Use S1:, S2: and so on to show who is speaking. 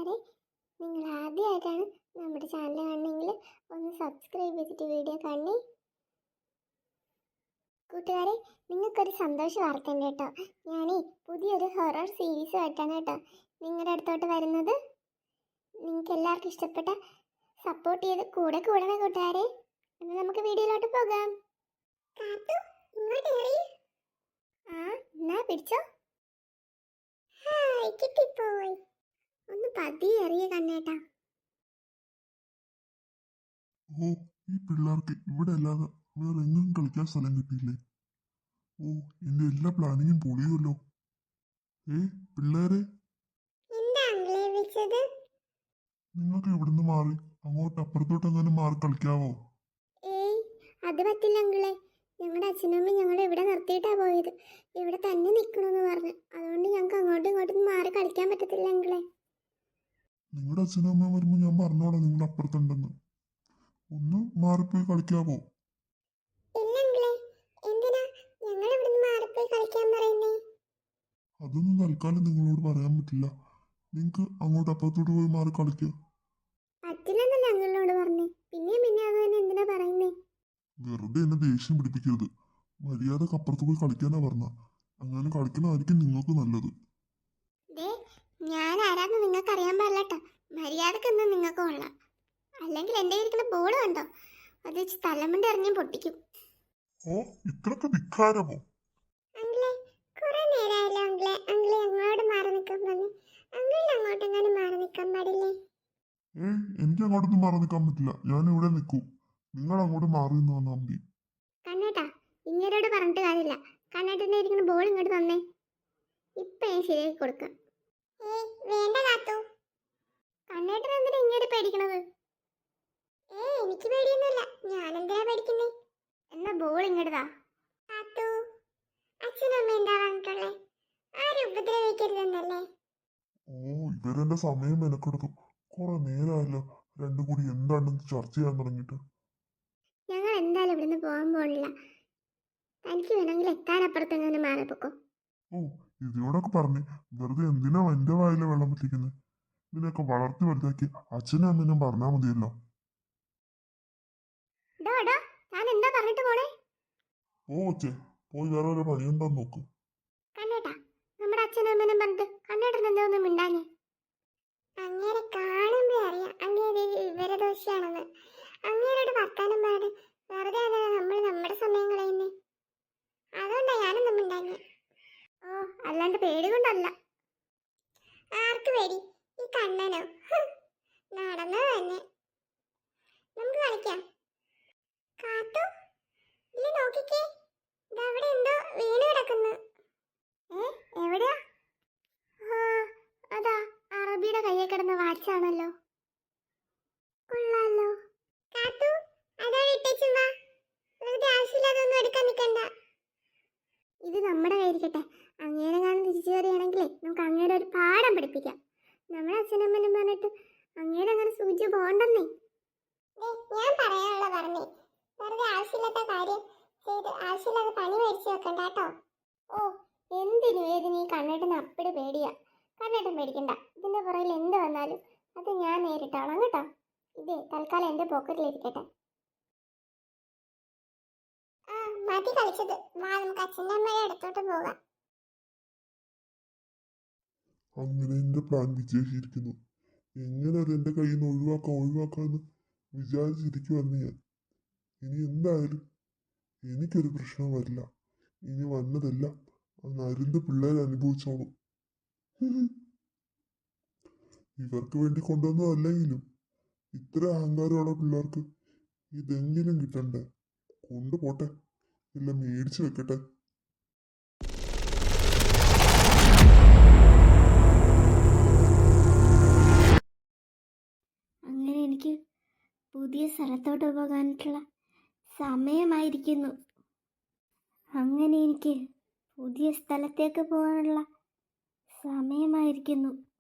S1: കൂട്ടുകാരെ, നിങ്ങൾ ആദ്യമായിട്ടാണ് നമ്മുടെ ചാനൽ കാണണമെങ്കിൽ ഒന്ന് സബ്സ്ക്രൈബ് ചെയ്തിട്ട് വീഡിയോ കാണണേ. കൂട്ടുകാരെ, നിങ്ങൾക്കൊരു സന്തോഷ വാർത്ത ഉണ്ട് കേട്ടോ. ഞാനേ പുതിയൊരു ഹൊറർ സീരീസ് ആയിട്ടാണ് കേട്ടോ നിങ്ങളുടെ അടുത്തോട്ട് വരുന്നത്. നിങ്ങൾക്ക് എല്ലാവർക്കും ഇഷ്ടപ്പെട്ട സപ്പോർട്ട് ചെയ്ത് കൂടെ കൂടണേ കൂട്ടുകാരെ. എന്നാൽ നമുക്ക് വീഡിയോയിലോട്ട് പോകാം. എന്നാ പിടിച്ചോ. കിട്ടിപ്പോയി. ഒന്ന് പതിയെ അറിയ കണ്ണേട്ടാ.
S2: ഓ, ഈ പിള്ളേർക്ക് ഇവിടെ അല്ലാതെ വേറെ എങ്ങും കളിക്കാൻ സ്ഥലം കിട്ടിയില്ലേ? ഓ, എന്റെ എല്ലാ പ്ലാനിങ്ങും പൊളിയുമല്ലോ. പിള്ളേരെ, നിങ്ങൾക്ക് ഇവിടുന്ന് മാറി അങ്ങോട്ട് അപ്പുറത്തോട്ട് എങ്ങനെ മാറി കളിക്കാവോ?
S1: അത് പറ്റില്ല അങ്കിളെ. ഞങ്ങളുടെ അച്ഛനമ്മ ഞങ്ങളെ ഇവിടെ നിർത്തിയിട്ടാ പോയത്. ഇവിടെ തന്നെ നിൽക്കണമെന്ന് പറഞ്ഞു. അതുകൊണ്ട് ഞങ്ങൾക്ക് അങ്ങോട്ടും ഇങ്ങോട്ടും മാറി കളിക്കാൻ പറ്റത്തില്ല അങ്കിളെ.
S2: നിങ്ങളുടെ അച്ഛനും അമ്മ വരുമ്പോൾ ഞാൻ പറഞ്ഞോളാം നിങ്ങൾ അപ്പുറത്തുണ്ടെന്ന്. ഒന്ന് മാറിപ്പോയി കളിക്കാവോ? അതൊന്നും തൽക്കാലം നിങ്ങളോട് പറയാൻ പറ്റില്ല. നിങ്ങൾക്ക് അങ്ങോട്ട് അപ്പുറത്തോട്ട് പോയി മാറി കളിക്കുക. വെറുതെ എന്നെ ദേഷ്യം പിടിപ്പിക്കരുത്. മര്യാദക്ക് അപ്പുറത്ത് പോയി കളിക്കാനാ പറഞ്ഞ. അങ്ങനെ കളിക്കണമായിരിക്കും നിങ്ങൾക്ക് നല്ലത്.
S1: ഞാൻ ആരാന്ന് നിങ്ങൾക്ക് അറിയാൻ പാടില്ലട്ടോ. മര്യാദക്കെന്ന് നിങ്ങൾക്ക് കൊള്ളാം. അല്ലെങ്കിൽ എന്റെ ഇരിക്കുന്ന ബോൾ കണ്ടോ, അത് വെച്ച് തലമുണ്ട് എറിഞ്ഞ് പൊട്ടിക്കും.
S2: ഓ, ഇത്രക്ക് ധിക്കാരമോ? എനിക്ക് അങ്ങോട്ടൊന്നും മാറി നിൽക്കാൻ പറ്റില്ല. ഞാൻ ഇവിടെ നിൽക്കൂ. നിങ്ങൾ അങ്ങോട്ട് മാറി നിന്ന് വന്നാൽ മതി.
S1: കണ്ണേട്ടാ, ഇങ്ങരോട് പറഞ്ഞിട്ട് കാര്യമില്ല. കണ്ണേട്ടന്റെ ഇരിക്കുന്ന ബോൾ ഇങ്ങോട്ട് തന്നേ. ഇപ്പൊ ഞാൻ ശരിയാക്കി കൊടുക്കാം. വേണ്ട കാത്തു. കണ്ണേട്ടൻ എന്തിനാ ഇങ്ങനെ പേടിക്കണത്? എനിക്ക് പേടിയൊന്നുമില്ല. ഞാൻ എന്തിനാ പേടിക്കുന്നേ? എന്നാ ബോൾ ഇങ്ങോട്ടാ. കാത്തു, അച്ഛനും അമ്മ എന്താ പറഞ്ഞിട്ടുള്ളേ? ആരും ഉപദ്രവിക്കരുതെന്നല്ലേ?
S2: ഓ, ഇവരെന്റെ സമയം മെനക്കെടുത്തു. കുറെ നേരമല്ലോ രണ്ടും കൂടി എന്താണെന്ന് ചർച്ച ചെയ്യാൻ തുടങ്ങിയിട്ട്.
S1: ഞങ്ങൾ എന്തായാലും ഇവിടുന്ന് പോകാൻ പോണില്ല. തനിക്ക് വേണമെങ്കിൽ എത്താനപ്പുറത്ത് എങ്ങനെ മാറിപ്പോക്കോ.
S2: ഓ, ഇതിനോടൊക്കെ പറഞ്ഞ് വെറുതെ എന്തിനാ എന്റെ വായിലെ വെള്ളം പറ്റിക്കുന്നത്? ഇതിനൊക്കെ വളർത്തി വലുതാക്കി അച്ഛനും അമ്മനും പറഞ്ഞാൽ മതിയല്ലോ. ഓ ചേ, പോയി വേറെ ഒരു പണിയുണ്ടോന്ന് നോക്ക്.
S1: കണ്ണേട്ടാ, നമ്മുടെ അച്ഛനും അമ്മനും പറഞ്ഞിട്ട് കണ്ണേട്ടൻ എന്താ ഒന്നും മിണ്ടാഞ്ഞേ? അങ്ങനെ കാണുമ്പോ അറിയാം അങ്ങേര് വിവരദോഷിയാണെന്ന്. അങ്ങേരോട് വർത്താനം പാട് വെറുതെ നമ്മൾ നമ്മുടെ സമയം കളയുന്നേ. അതുകൊണ്ടാ ഞാനൊന്നും മിണ്ടാഞ്ഞേ. ഓ, അല്ലാണ്ട് പേടി കൊണ്ടല്ല. ആർക്ക് പേടി? ഈ കണ്ണനോ? നടന്നത് തന്നെ. നമുക്ക് കളിക്കാം. കാത്തു, ഇല്ല നോക്കിക്കേ, അവിടെ എന്തോ വീണ് കിടക്കുന്നു. എവിടെയാ? അതാ അറബിയുടെ കയ്യിൽ കിടന്ന വാച്ചാണല്ലോ. കൊള്ളാലോ. കാത്തു, അതാ വിട്ടേച്ചുവാ. വെറുതെ ആവശ്യമില്ലാതൊന്നും എടുക്കാൻ നിൽക്കണ്ട. ഇത് നമ്മുടെ കയ്യിരിക്കട്ടെ. അങ്ങേരെ കാണാൻ തിരിച്ചു കയറിയാണെങ്കിലേ നമുക്ക് അങ്ങേരെ ഒരു പാഠം പഠിപ്പിക്കാം. നമ്മുടെ അച്ഛനമ്മനും പറഞ്ഞിട്ട് അങ്ങേരെ അങ്ങനെ സൂചിച്ച് പോകണ്ടെന്നേ. ഞാൻ പറയാനുള്ള പറഞ്ഞേ. വെറുതെ ആവശ്യമില്ലാത്ത കാര്യം ചെയ്ത് ആവശ്യമില്ലാതെ പണി മേടിച്ചു വെക്കണ്ട കേട്ടോ. ഓ, എന്തിനും ഏതിനും ഈ കണ്ണേട്ടന് അപ്പടി പേടിയാ. കണ്ണേട്ടൻ പേടിക്കണ്ട. ഇതിന്റെ പുറകിൽ എന്ത് വന്നാലും അത് ഞാൻ നേരിട്ടോളാം കേട്ടോ. ഇത് തൽക്കാലം എന്റെ പോക്കറ്റിലിരിക്കട്ടെ. മതി കളിച്ചത്. നമുക്ക് അച്ഛൻ്റെ അമ്മയെ അടുത്തോട്ട് പോകാം.
S2: അങ്ങനെ എന്റെ പ്ലാൻ വിജയിച്ചിരിക്കുന്നു. എങ്ങനെ അത് എന്റെ കയ്യിൽ നിന്ന് ഒഴിവാക്കാന്ന് വിചാരിച്ചിരിക്കുവന്ന് ഞാൻ. ഇനി എന്തായാലും എനിക്കൊരു പ്രശ്നം വരില്ല. ഇനി വന്നതെല്ലാം അരുന്ന് പിള്ളേർ അനുഭവിച്ചോളും. ഇവർക്ക് വേണ്ടി കൊണ്ടുവന്നതല്ലെങ്കിലും ഇത്ര അഹങ്കാരമുള്ള പിള്ളേർക്ക് ഇതെങ്കിലും കിട്ടണ്ടേ? കൊണ്ടുപോട്ടെ, എല്ലാം മേടിച്ചു വെക്കട്ടെ.
S1: അങ്ങനെ എനിക്ക് പുതിയ സ്ഥലത്തോട്ട് പോകാനായിട്ടുള്ള സമയമായിരിക്കുന്നു. അങ്ങനെ എനിക്ക് പുതിയ സ്ഥലത്തേക്ക് പോകാനുള്ള സമയമായിരിക്കുന്നു.